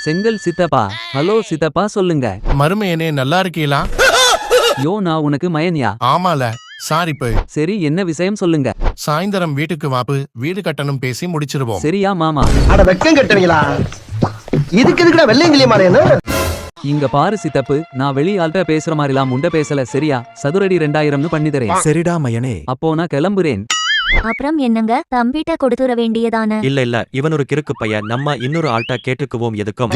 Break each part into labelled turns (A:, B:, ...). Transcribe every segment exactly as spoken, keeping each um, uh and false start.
A: செங்கல் சித்தப்பா. ஹலோ சித்தப்பா சொல்லுங்க.
B: மருமையனே நல்லா இருக்கீங்களா?
A: யோ நான் உனக்கு மயன்யா.
B: ஆமால சாரி போய்.
A: சரி என்ன விஷயம் சொல்லுங்க.
B: சாயந்தரம் வீட்டுக்கு வாப்பு, வீடு கட்டணும் பேசி முடிச்சிருவோம்.
A: சரியா மாமா?
C: அட வெக்கம் கட்டுவீங்களா? இதுக்கு எதுக்குடா வெள்ளையங்கிலி மாறேன்னு?
A: இங்க பாரு சித்தப்பு, நான் வெளி ஆள்கிட்ட பேசுற மாதிரிலாம் முண்ட பேசல சரியா? சதுரடி ரெண்டாயிரம்னு பண்ணி தரேன்.
D: சரிடா மயனே.
A: அப்போ நான் கிளம்புறேன்.
E: அப்புறம் என்னங்க, தம்பிட்ட கொடுத்துற வேண்டியதானே?
F: இல்ல இல்ல, இவன் ஒரு கிறுக்கு பையன். நம்ம இன்னொரு ஆள்கிட்ட கேட்டுக்குவோம் எதுக்கும்.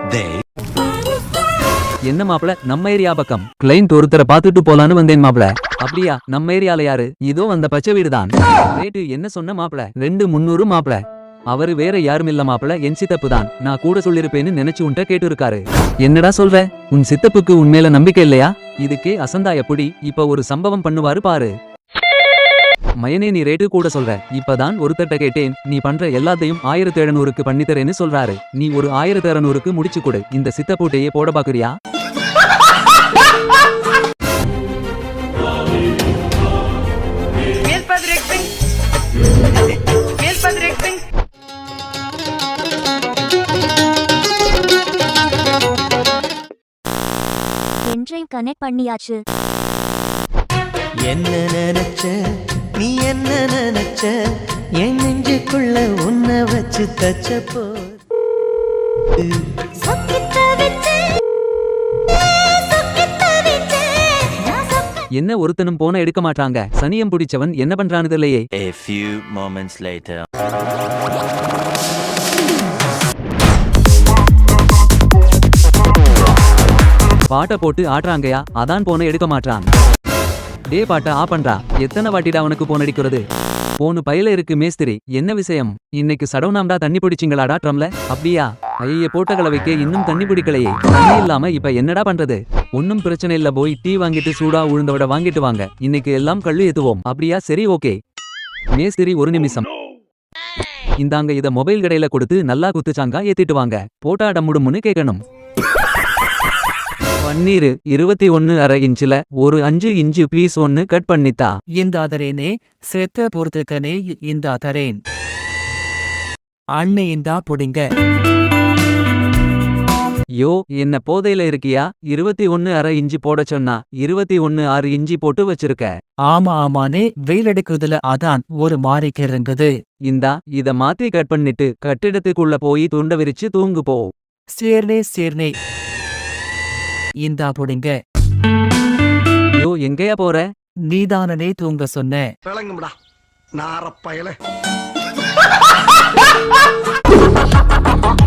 A: என்ன மாப்ள, நம்ம ஏரியா பக்கம் கிளைண்ட் ஒருத்தரை பாத்துட்டு போலான்னு வந்தேன் மாப்ள. அப்படியா? நம்ம ஏரியால யாரு? இதோ அந்த பச்சை வீடுதான். ரேட்டு என்ன சொன்ன மாப்ள? ரெண்டு முன்னூறு மாப்ள. அவரு வேற யாரும் இல்ல மாப்ள, என் சித்தப்பு தான். நான் கூட சொல்லிருப்பேன்னு நினைச்சு உன்ட்ட கேட்டு இருக்காரு. என்னடா சொல்ற? உன் சித்தப்புக்கு உண்மையில நம்பிக்கை இல்லையா? இதுக்கே அசந்தா எப்படி? இப்ப ஒரு சம்பவம் பண்ணுவாரு பாரு. மயனே நீ ரேட்டு கூட சொல்ற. இப்பதான் ஒருத்தட்ட கேட்டேன், நீ பண்ற எல்லாத்தையும் ஆயிரத்தி எழுநூறுக்கு பண்ணித்தரேன்னு சொல்றாரு. நீ ஒரு ஆயிரத்தி அறுநூறுக்கு முடிச்சு கொடு. இந்த சித்தப்பூட்டையே போட பாக்குறியா?
E: பென்ட்ரைவ் கனெக்ட் பண்ணியாச்சு.
G: என்ன நினைச்ச நீ, என்ன நினைச்ச, என் நெஞ்சுக்குள்ள உன்னை வச்சு தச்ச போ.
A: என்ன ஒருத்தனும் போன எடுக்க மாட்டாங்க. சனியம் பிடிச்சவன் என்ன பண்றானது இல்லையே.
F: A few moments later.
A: பாட்ட போட்டு ஆட்றாங்கயா, அதான் போன எடுக்க மாட்டான். டே பாட்ட ஆ பண்றா. எத்தனை வாட்டிடா அவனுக்கு போன் அடிக்கிறது? போனு பையில இருக்கு மேஸ்திரி. என்ன விஷயம்? இன்னைக்கு சடவுனாம்டா தண்ணி பிடிச்சிங்களாடா ட்ரம்ல? அப்படியா? ஐய போட்ட கலவைக்கே இன்னும் தண்ணி பிடிக்கலையே. தண்ணி இல்லாம இப்ப என்னடா பண்றது? ஒன்னும் பிரச்சனை இல்ல, போய் டீ வாங்கிட்டு சூடா உழுந்தவிட வாங்கிட்டு வாங்க. இன்னைக்கு எல்லாம் கள்ளு ஏத்துவோம். அப்படியா? சரி ஓகே. மேஸ்திரி ஒரு நிமிஷம். இந்தாங்க, இத மொபைல் கடையில கொடுத்து நல்லா குத்துச்சாங்கா ஏத்திட்டு வாங்க. போட்டா டம்முடும்னு கேட்கணும். பன்னீரு இருபத்தி ஒன்னு அரை இன்ச்சுல ஒரு அஞ்சு இன்ச்சு பீஸ் ஒன்னு கட் பண்ணித்தா.
H: இந்த தரேனே செத்த பொறுத்துக்கனே இந்த தரேன். அண்ணே இந்தா புடிங்க.
A: யோ என்ன போதையில இருக்கியா? இருபத்தி ஒன்னு அரை இஞ்சி போட சொன்னா இருபத்தி ஒன்னு ஆறு இஞ்சி போட்டு வச்சிருக்க.
H: ஆமா ஆமானே, வெயில் எடுக்கிறதுல அதான் ஒரு மாறிக்கு இருந்தது.
A: இந்தா இத மாத்தி கட் பண்ணிட்டு கட்டிடத்துக்குள்ள போய் துண்ட விரிச்சு தூங்கு போ.
H: சேர்னே சேர்னே இந்தா புடிங்க.
A: யோ எங்கயா போற?
H: நீதானனே தூங்க சொன்ன.
C: விளங்கும்டா நாரப்பயல.